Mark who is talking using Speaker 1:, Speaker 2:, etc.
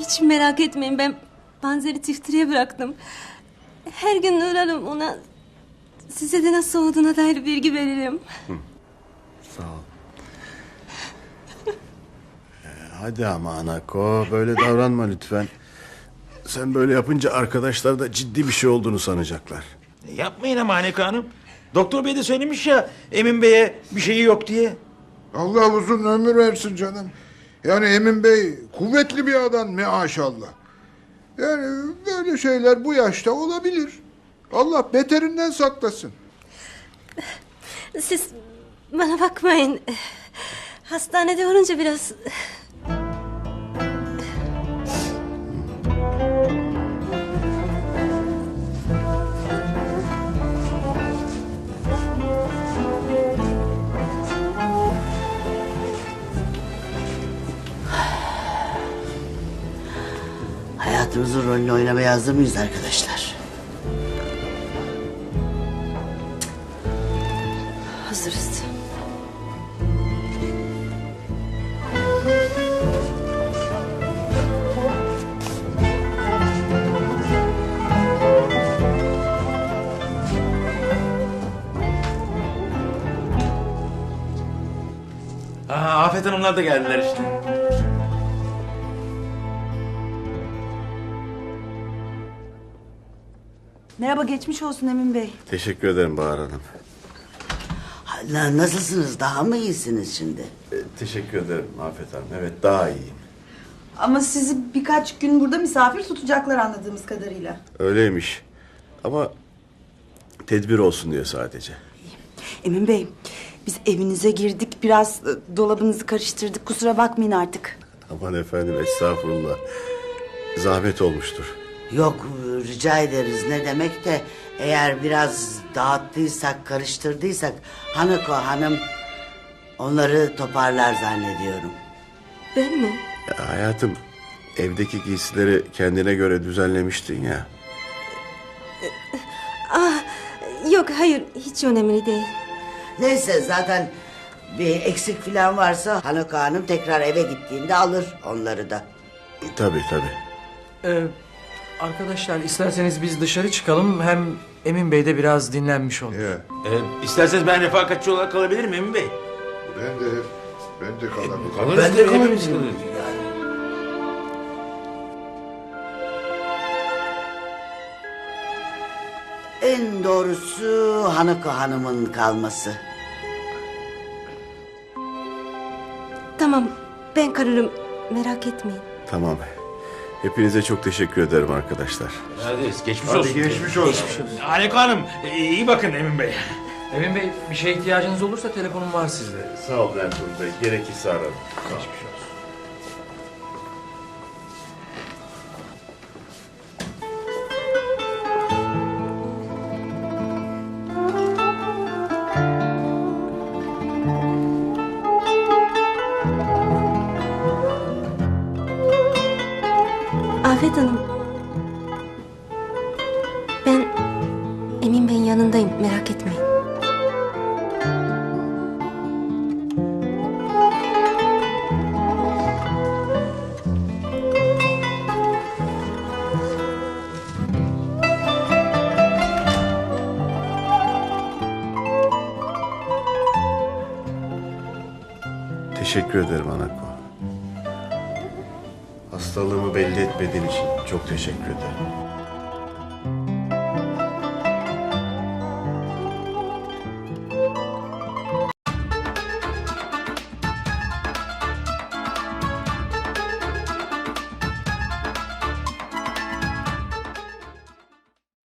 Speaker 1: Hiç merak etmeyin, ben panzeri tiftiriye bıraktım. Her gün uğrarım ona. Size de nasıl olduğuna dair bilgi veririm.
Speaker 2: Sağ ol. Hadi ama Anako, böyle davranma lütfen. Sen böyle yapınca arkadaşlar da ciddi bir şey olduğunu sanacaklar.
Speaker 3: Yapmayın ama Haneke Hanım. Doktor bey de söylemiş ya Emin Bey'e bir şeyi yok diye.
Speaker 4: Allah uzun ömür versin canım. Yani Emin Bey kuvvetli bir adam maşallah. Yani böyle şeyler bu yaşta olabilir. Allah beterinden saklasın.
Speaker 1: Siz bana bakmayın. Hastanede olunca biraz...
Speaker 5: Hayatımızın rolünü oynamaya hazır mıyız arkadaşlar?
Speaker 1: Hazırız.
Speaker 3: Afet Hanımlar da geldiler işte.
Speaker 6: Merhaba, geçmiş olsun Emin Bey.
Speaker 2: Teşekkür ederim Bahar Hanım.
Speaker 5: Nasılsınız? Daha mı iyisiniz şimdi?
Speaker 2: Teşekkür ederim Afet Hanım. Evet, daha iyiyim.
Speaker 6: Ama sizi birkaç gün burada misafir tutacaklar anladığımız kadarıyla.
Speaker 2: Öyleymiş. Ama tedbir olsun diye sadece.
Speaker 6: Emin Bey, biz evinize girdik, biraz dolabınızı karıştırdık. Kusura bakmayın artık.
Speaker 2: Aman efendim, estağfurullah. Zahmet olmuştur.
Speaker 5: Yok, rica ederiz. Ne demek de eğer biraz dağıttıysak, karıştırdıysak Hanako Hanım onları toparlar zannediyorum.
Speaker 1: Ben mi?
Speaker 2: Ya hayatım, evdeki giysileri kendine göre düzenlemiştin ya.
Speaker 1: Yok, hayır, hiç önemli değil.
Speaker 5: Neyse, zaten bir eksik falan varsa Hanako Hanım tekrar eve gittiğinde alır onları da.
Speaker 2: Tabii tabii.
Speaker 7: Arkadaşlar isterseniz biz dışarı çıkalım. Hem Emin Bey de biraz dinlenmiş olur.
Speaker 4: Ya,
Speaker 3: İsterseniz ben refakatçi olarak kalabilirim Emin Bey.
Speaker 4: ben de kalabilirim.
Speaker 3: Kalırız
Speaker 7: Ben de
Speaker 3: tabii, hepimiz
Speaker 7: kalabilirim.
Speaker 3: kalırız.
Speaker 5: En doğrusu Hanako Hanım'ın kalması.
Speaker 1: Tamam, ben kalırım, merak etmeyin.
Speaker 2: Tamam. Hepinize çok teşekkür ederim arkadaşlar.
Speaker 3: Hadi geçmiş
Speaker 4: Hadi
Speaker 3: olsun.
Speaker 4: geçmiş olsun.
Speaker 3: Haneke Hanım iyi bakın Emin Bey.
Speaker 7: Emin Bey, bir şeye ihtiyacınız olursa telefonum var sizde.
Speaker 2: Sağ ol Ertuğrul Bey. Gerekirse ararım.
Speaker 7: Geçmiş olsun.
Speaker 1: Afet Hanım. Ben Emin Bey'in yanındayım, merak etmeyin.
Speaker 2: Teşekkür ederim Anako. Hastalığımı belli etmediğin için çok teşekkür ederim.